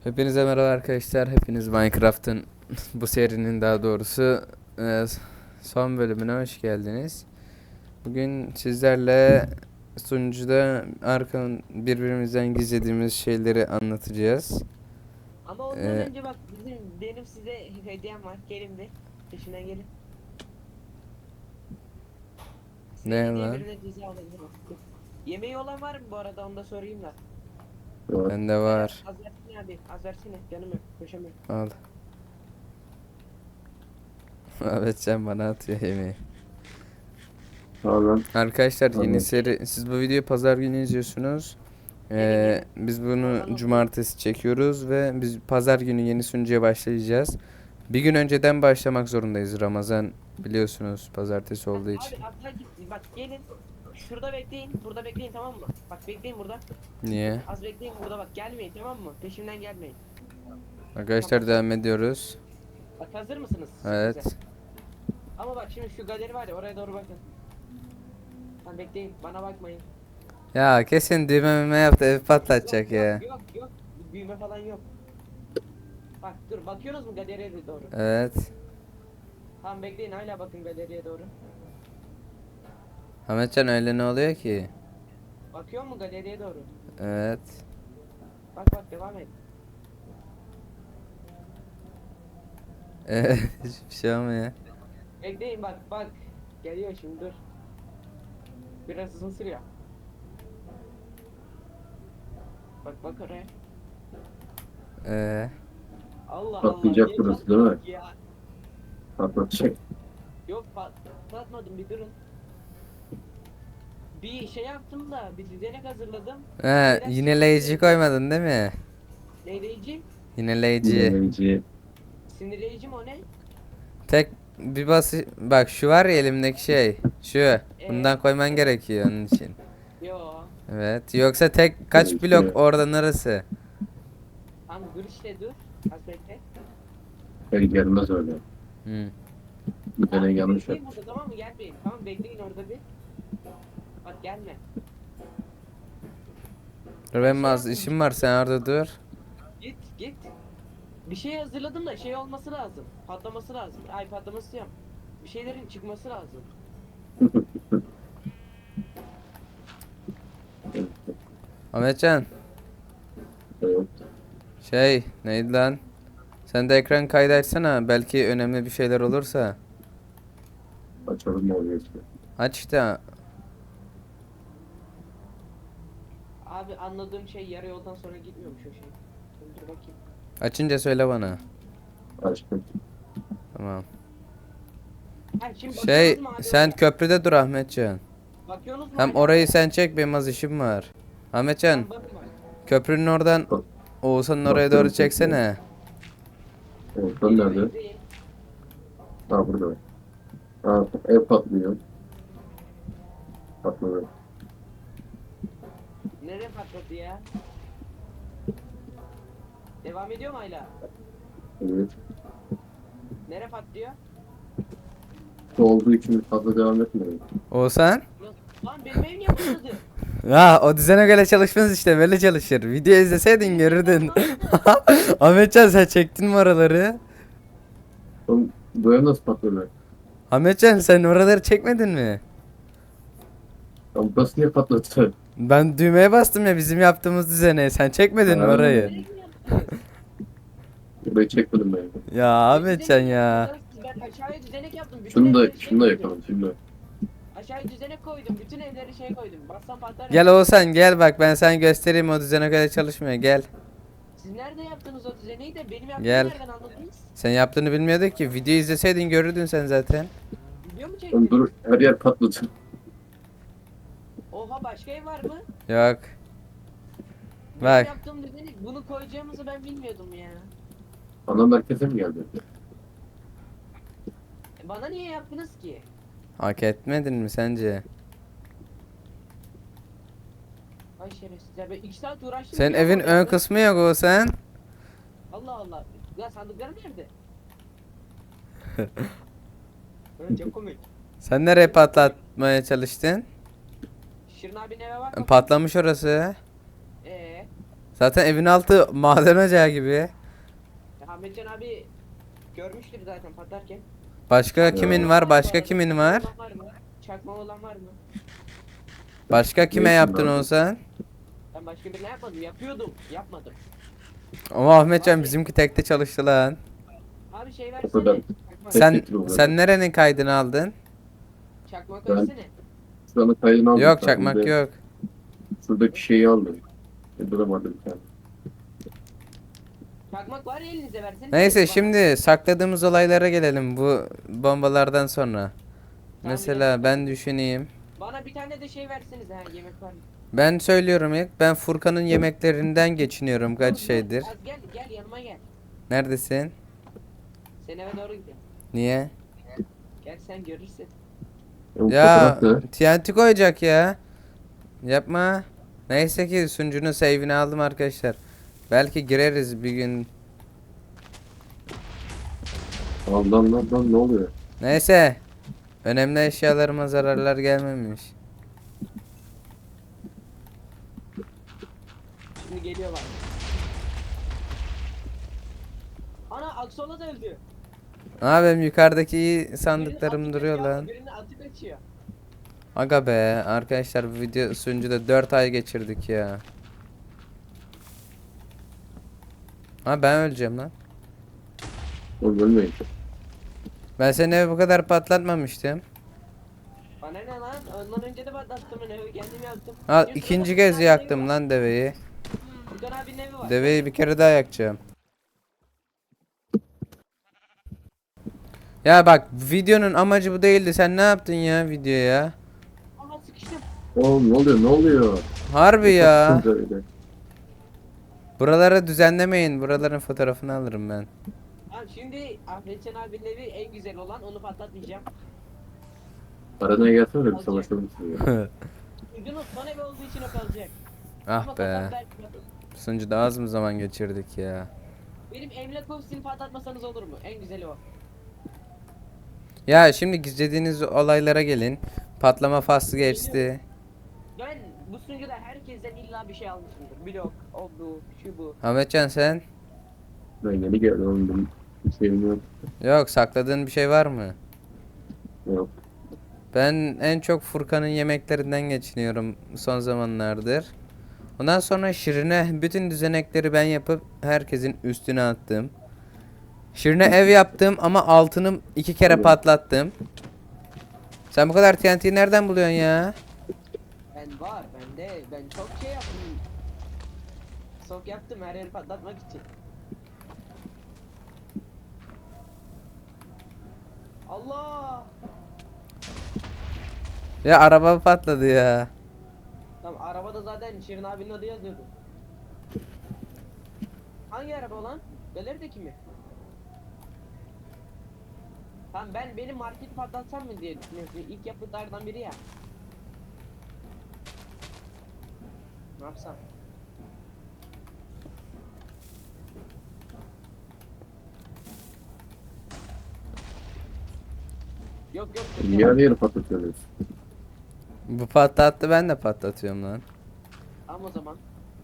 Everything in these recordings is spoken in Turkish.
Hepinize merhaba arkadaşlar. Hepiniz Minecraft'ın bu serinin daha doğrusu son bölümüne hoş geldiniz. Bugün sizlerle sunucuda birbirimizden gizlediğimiz şeyleri anlatacağız. Ama ondan E, önce bak benim size hediyem var. Gelin bir. Peşimden gelin. Size Ne hediye lan? birine ceza alacağım. Yemeği olan var mı bu arada, onu da sorayım da. Bende var. Az versene abi. Az versene. Canım yok. Koşamıyorum. Al. Evet, sen bana atıyor yemeği. Tamam. Arkadaşlar yeni Anladım. seri, siz bu videoyu pazar günü izliyorsunuz. Gelin. Biz Aman bunu cumartesi çekiyoruz ve biz pazar günü yeni sunucuya başlayacağız. Bir gün önceden başlamak zorundayız. Ramazan biliyorsunuz pazartesi olduğu için. Abi hatta git. Bak gelin. Şurada bekleyin. Burada bekleyin, tamam mı? Bak bekleyin burada. Niye? Az bekleyin burada, bak gelmeyin, tamam mı? Peşimden gelmeyin. Arkadaşlar devam ediyoruz. Bak hazır mısınız? Evet. Size? Ama bak şimdi şu galeri var ya, oraya doğru bakın. Lan bekleyin, bana bakmayın. Ya kesin düğmeme yaptı, ev patlatacak Yok, ya. yok, büyüme falan yok. Bak dur, bakıyorsunuz mu galeriye doğru? Evet. Tamam bekleyin, hala bakın galeriye doğru. Ahmetcan öyle ne oluyor ki? Bakıyor mu galeriye doğru? Evet. Bak devam et. Evet. Hiçbir şey olmuyor. Bekleyin, bak. Geliyor şimdi, dur. Biraz uzun sürüyor. Bak oraya. Allah Patlayacak niye burası, değil mi? patladık ya? Patlatacak. Yok patlatmadım, bir durun. Bir şey yaptım da, bir düzenek hazırladım. Biraz Yineleyici koymadın değil mi? Neyleyici? Yineleyici. Dinleyici. Sinirleyici mi o ne? Tek bir bak şu var ya elimdeki şey. Şu. Bundan koyman gerekiyor onun için. Yo. Evet. Yoksa tek kaç Gerekiyor. blok orada neresi? Tamam dur işte, dur. Az bekle. Gelmez öyle. Hı. Bir tane yanlış Bekleyin yapmış. burada, tamam mı? Gelmeyin. Tamam bekleyin orada bir. Bak gelme. Dur benim az işim var, sen orada dur. Git. Bir şey hazırladım da şey olması lazım. Patlaması lazım. Ay patlaması diyorum. Bir şeylerin çıkması lazım. Ahmetcan, Evet. şey neydi lan? Sen de ekran kaydı açsana, belki önemli bir şeyler olursa. Açalım, ne oluyor işte. Aç işte. Abi anladığım şey, yarı yoldan sonra gitmiyormuş o şey. Dur bakayım. Açınca söyle bana. Açtım. Tamam. Ha, şimdi Şey bakıyorsunuz mu abi sen oraya? köprüde dur Ahmetcan. Bakıyorsunuz mu Hem hala? orayı sen çek, benim az işim var. Ahmetcan, Tamam, bakın bak. köprünün oradan Bak, Oğuzhan'ın oraya bakıyorum, doğru çeksene. Ortadan nerede? Bekleyin. Ha, burada. Ha, ev patlıyor. Patladı. Nereye patladı ya? Devam ediyor mu hala? Evet. Nereye patlıyor? Olduğu için fazla devam etmiyor. Oğuzhan? Lan benim ev niye patladı? Ya o düzene göre çalışmaz işte, böyle çalışır. Video izleseydin görürdün. Ahmetcan sen çektin mi oraları? Oğlum, bu ev nasıl patladı? Ahmetcan sen oraları çekmedin mi? Lan burası niye patladı? Ben düğmeye bastım ya bizim yaptığımız düzene. Sen çekmedin mi Ha. orayı? Nereye mi yaptınız? Burayı çekmedim ben. Ya Ahmetcan ya. Ben aşağıya düzenek yaptım. Bütün Şunu da, evleri şey şunu da koydum. yapalım, şunu da. Aşağıya düzenek koydum. Bütün evleri şey koydum. Bassam patlar. Gel Oğuzhan gel, bak ben sana göstereyim, o düzene göre çalışmıyor, gel. Siz nerede yaptınız o düzeneyi de benim yaptığımı Gel. nereden anladınız? Sen yaptığını bilmiyorduk ki, video izleseydin görürdün sen zaten. Video mu Oğlum çektiniz? dur, her yer patladı. Oha, başka ev var mı? Yok. Benim Bak. yaptığım düzenek, bunu koyacağımızı ben bilmiyordum ya. Ana merkeze mi geldi? Bana niye yaptınız ki? Hak etmedin mi sence? Ay şerefsizler, ben 2 saat uğraştım. Senin biliyor evin musun ön ya? kısmı yok Oğuzhan. Allah Allah. Ya sandıklar nerede? Çok komik. Sen nereye patlatmaya çalıştın? Şirin abinin eve bak. Patlamış orası. Eee? Zaten evin altı maden ocağı gibi. Ya Ahmetcan abi görmüştür zaten patlarken. Başka kimin var? Başka kimin var? Çakma olan var mı? Çakma olan var mı? Başka kime Ne yaptın için Oğuzhan? Ben başka birine yapmadım. Yapıyordum. Yapmadım. Ama Ahmetcan bizimki tekte çalıştı lan. Abi şey O kadar. versene. Çakma. Tek Sen getir o sen nerenin kaydını aldın? Çakmak Ben- versene. Şuranın kaydını aldım. Yok sen çakmak bir de yok. Şuradaki şeyi aldım. Duramadım bir tane. Çakmak var ya elinize versene. Neyse Bana. şimdi sakladığımız olaylara gelelim bu bombalardan sonra. Mesela gel. ben düşüneyim. Bana bir tane de şey verseniz ha yemek var mı? Ben söylüyorum ilk. Ben Furkan'ın yemeklerinden geçiniyorum kaç Dur, şeydir. Az gel gel yanıma gel. Neredesin? Sen eve doğru gidelim. Niye? Gel sen görürsün. O Ya fotoğraf ne? TNT koyacak ya. Yapma. Neyse ki sunucunun save'ini aldım arkadaşlar. Belki gireriz bir gün. Lan ne oluyor? Neyse. Önemli eşyalarıma zararlar gelmemiş. Şimdi geliyorlar. Ana Aksola da öldü. Aa benim yukarıdaki iyi Birini sandıklarım atıp duruyor kaçıyor, lan. Birini atıp kaçıyor. Aga be arkadaşlar bu video sunucuda 4 ay geçirdik ya. Ha ben öleceğim lan. Oğlum ölmeyin. Ben seni evi bu kadar patlatmamıştım. Bana ne lan? Ondan önce de patlattım ben evi kendim yaktım. Al Yusuf'un ikinci Furkan kez abinin yaktım evi var. lan deveyi. Furkan abinin evi var. Deveyi bir kere daha yakacağım. Ya bak videonun amacı bu değildi. Sen ne yaptın ya videoya? Aha sıkıştım. Oğlum ne oluyor? Harbi ya. Baksanıza öyle. Buraları düzenlemeyin. Buraların fotoğrafını alırım ben. Tamam şimdi Ahmetcan abinin evi en güzel olan onu patlatmayacağım. Aranaya gelsene de bir savaşalım sizinle. Yunus son evi olduğu için o kalacak. Ama Ah be. patlat belki. Sunucuda az mı zaman geçirdik ya. Benim emlak ofisini patlatmasanız olur mu? En güzeli o. Ya şimdi gizlediğiniz olaylara gelin. Patlama faslı geçti. Ben bu sunucuda herkesten illa bir şey almışımdır. Blok, o bu, şu bu. Ahmetcan sen? Ben yeni geldim oğlum benim bir şeyim yok. Yok sakladığın bir şey var mı? Yok. Ben en çok Furkan'ın yemeklerinden geçiniyorum son zamanlardır. Ondan sonra Şirin'e bütün düzenekleri ben yapıp herkesin üstüne attım. Şirin'e ev yaptım ama altını 2 kere Tabii. patlattım. Sen bu kadar TNT'yi nereden buluyorsun ya? Ben var, ben çok şey yaptım. Sok yaptım her yeri patlatmak için. Allah! Ya araba patladı ya. Tamam arabada zaten Şirin abinin adı yazıyordu. Hangi araba lan? Belerdeki mi? Tamam benim marketi patlatsam mı diye düşünüyorum. İlk yapıtlardan biri ya. Ne yapsam? Yok yok. Niye her yeri patlatıyorsunuz? Bu patlattı ben de patlatıyorum lan. Tamam o zaman.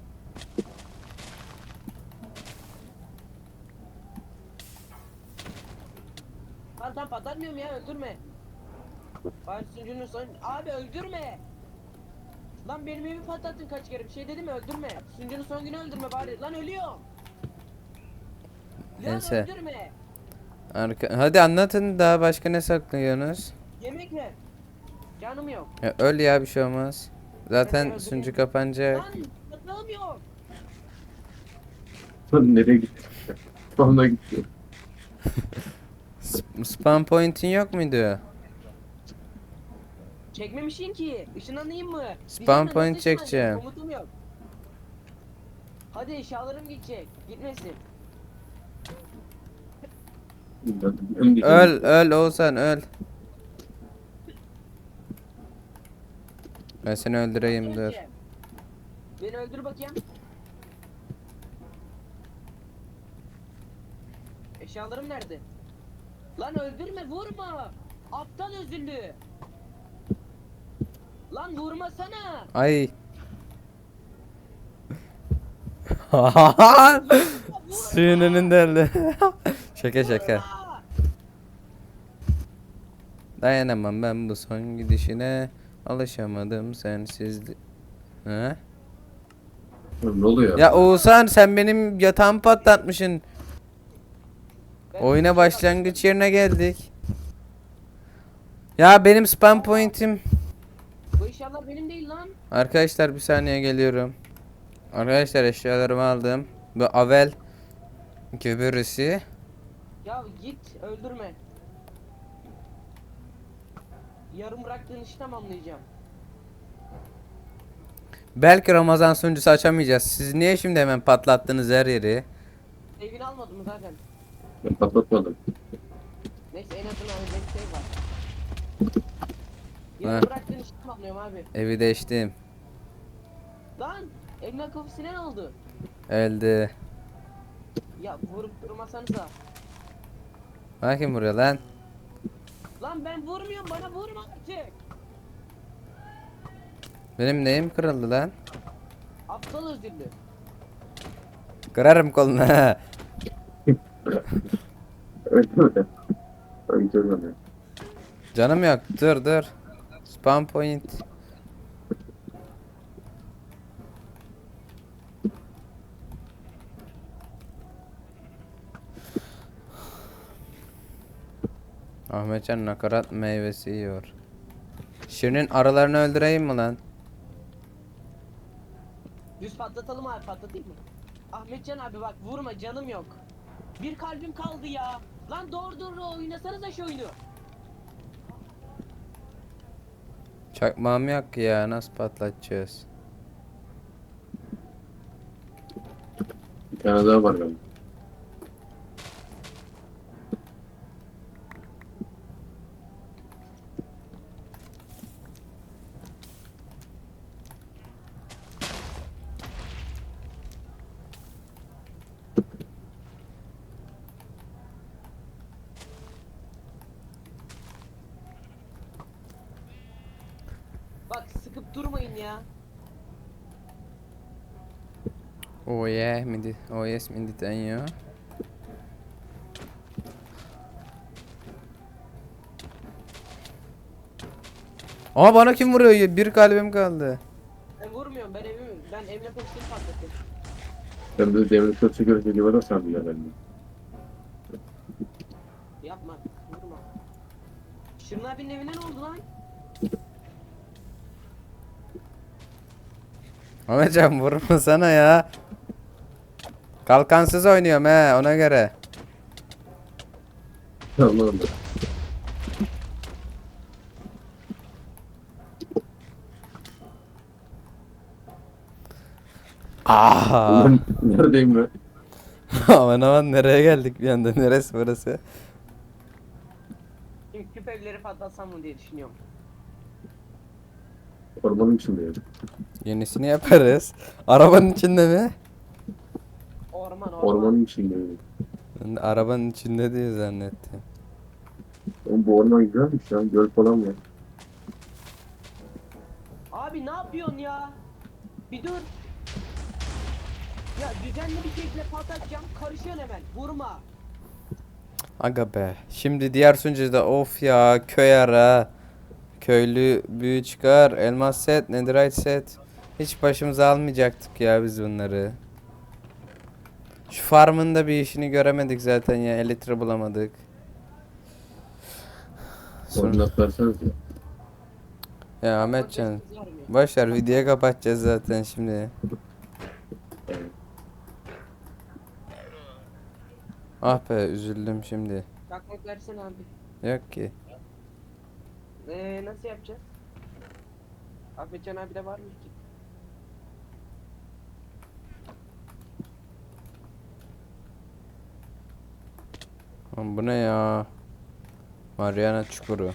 Lan tam patlatmıyorum ya öldürme. Bari sunucunun son... Abi öldürme. Lan benim evimi patlattın kaç kere bir şey dedim mi öldürme. Sunucunun son günü öldürme bari. Lan ölüyorum. Lan Neyse. öldürme. Hadi anlatın daha başka ne saklıyorsunuz? Yemek ver. Canım yok. Ya öl ya bir şey olmaz. Zaten Ben sunucu öldüreyim. kapanacak. Lan patlamam yok. Lan nereye gitti? Sonra gitti. Spawn point'in yok muydu? Çekmemişsin ki. Işınlanayım mı? Spam Diyeceğim de nasıl point ışınlanacağım? çekeceğim. Komutum yok. Hadi eşyalarım gidecek. Gitmesin. Öl Oğuzhan öl. Ben seni öldüreyim dur. Önce. Beni öldür bakayım. Eşyalarım nerede? Lan öldürme vurma. Aptal özürlü. Lan vurmasana. Ay. Suyun önünde öldü. Şaka şaka. Vurma! Dayanamam ben bu son gidişine. Alışamadım sensiz. He? Ne oluyor? Ya Oğuzhan sen benim yatağımı patlatmışsın. Ben Oyuna bir şey başlangıç yerine geldik. Ya benim spam point'im. yapmadım. Bu inşallah benim değil lan. Arkadaşlar bir saniye geliyorum. Arkadaşlar eşyalarımı aldım. Bu Avel köbürüsü. Ya git öldürme. Yarım bıraktığın işi tamamlayacağım. Belki Ramazan sunucusu açamayacağız. Siz niye şimdi hemen patlattınız her yeri? Evini almadım mı zaten? Ben patlatmadım. Neyse en azından öyle bir şey var. Ha. Yarım bıraktığın işi tamamlıyorum abi. Evi değiştim. Lan emlak ofisine ne oldu? Öldü. Ya vurup durmasanıza. Bakın buraya lan. Lan ben vurmuyorum bana vurma artık. Benim neyim kırıldı lan? Aptal özürlü. Kırarım kolunu. Öldürme. Öldürme. Canım yok. Dur dur. Spam point. Ahmetcan nakarat meyvesi yiyor. Şirin'in arılarını öldüreyim mi lan? Düz patlatalım abi patlatayım mı? Ahmetcan abi bak vurma canım yok. Bir kalbim kaldı ya. Lan doğru doğru oynasanıza şu oyunu. Çakmağım yok ki ya. Nasıl patlatacağız? Bir tane daha var benim. Bak sıkıp durmayın ya. Oh yeah, oh yes, ya. Aa bana kim vuruyor? Bir kalbim kaldı. Ben vurmuyorum ben emlak ofisini patlatıyorum. Ben de demir kötü gözü gibi var sandım ya ben de. Yapma vurma. Şirin abinin evine ne oldu lan? Ahmetcan vurma sana ya. Kalkansız oynuyorum he ona göre. Tamam. Aa. Ben neredeyim ben? Aman aman nereye geldik bir anda? Neresi burası? Şimdi küp evleri patlatsam mı diye düşünüyorum. Ormanın içindeyim. Yenisini yaparız. Arabanın içinde mi? Orman. Ormanın içindeyim. Ben de arabanın içinde diye zannettim. Oğlum bu orman güzelmiş ya. Göl falan var. Abi ne yapıyorsun ya? Bir dur. Ya düzenli bir şekilde patlatacağım karışıyorsun hemen vurma. Aga be. Şimdi diğer sunucuda of ya köy ara. Köylü büyü çıkar. Elmas set, netherite set. Hiç başımıza almayacaktık ya biz bunları. Şu farmın da bir işini göremedik zaten ya. Elytra bulamadık. Koordinat verseniz ya. Ya Ahmetcan. Kızar mı? Boşver videoyu kapatacağız zaten şimdi. Ah be üzüldüm şimdi. Çakmak versene abi. Yok ki. Nasıl yapacağız? Ahmetcan abi de var mı ki? Lan bu ne ya? Mariana çukuru.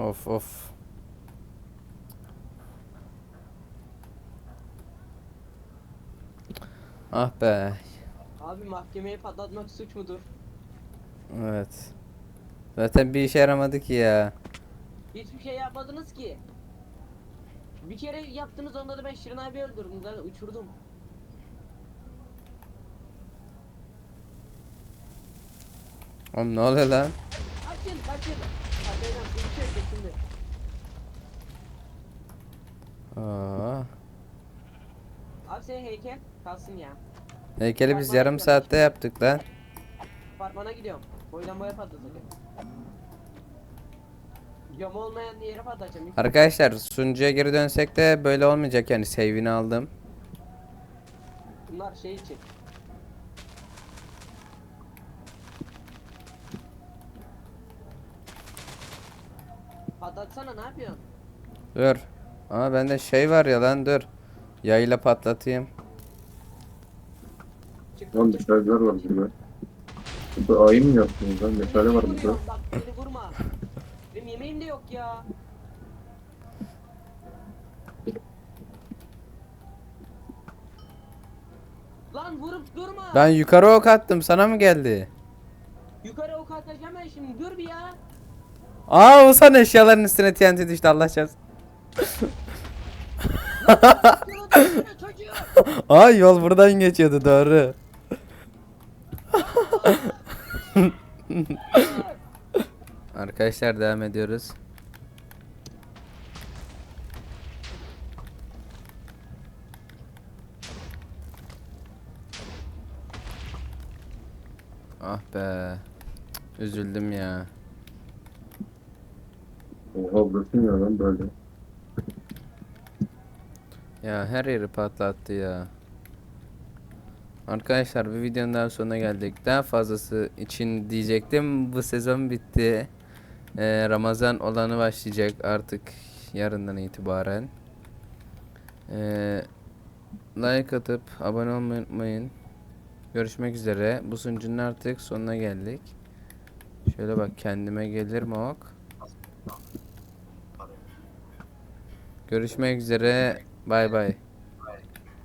Of of. Ah be. Abi mahkemeyi patlatmak suç mudur? Evet. Zaten bir işe yaramadı ki ya. Hiçbir şey yapmadınız ki. Bir kere yaptınız, onda da ben Şirin abi öldürdüm da uçurdum. Oğlum ne oluyor lan? Kaçın kaçın. Hadi lan bir şey yok şimdi. Aa. Abi senin heykel kalsın ya. Heykeli biz yarım saatte yaptık lan. Apartmana gidiyorum. Boydan boya patlatacağım. Cam olmayan yere patlatacağım. Arkadaşlar sunucuya geri dönsek de böyle olmayacak yani save'ini aldım. Bunlar şey için. Patlatsana, ne yapıyorsun? Dur. Ama bende şey var ya lan dur. Yayla patlatayım. Çık. Lan meşaleler var burada. Burada ayı mı yaptınız lan? Meşale var burada. Vuruyorum, bak beni vurma. Benim yemeğim de yok ya. Lan vurup durma. Ben yukarı ok attım sana mı geldi? Yukarı ok atacağım ben şimdi, dur bir ya. Aa Oğuzhan eşyaların üstüne TNT düştü Allah çarpsın. Dur çocuğu. Aa yol buradan geçiyordu doğru. Arkadaşlar devam ediyoruz. Ah be. Üzüldüm ya. Oha burası ne lan böyle? Ya her yeri patlattı ya. Arkadaşlar bir videonun daha sonuna geldik. Daha fazlası için diyecektim. Bu sezon bitti. Ramazan olanı başlayacak artık yarından itibaren. Like atıp abone olmayı unutmayın. Görüşmek üzere. Bu sunucunun artık sonuna geldik. Şöyle bak kendime gelir mi ok? Görüşmek üzere. Bay bay.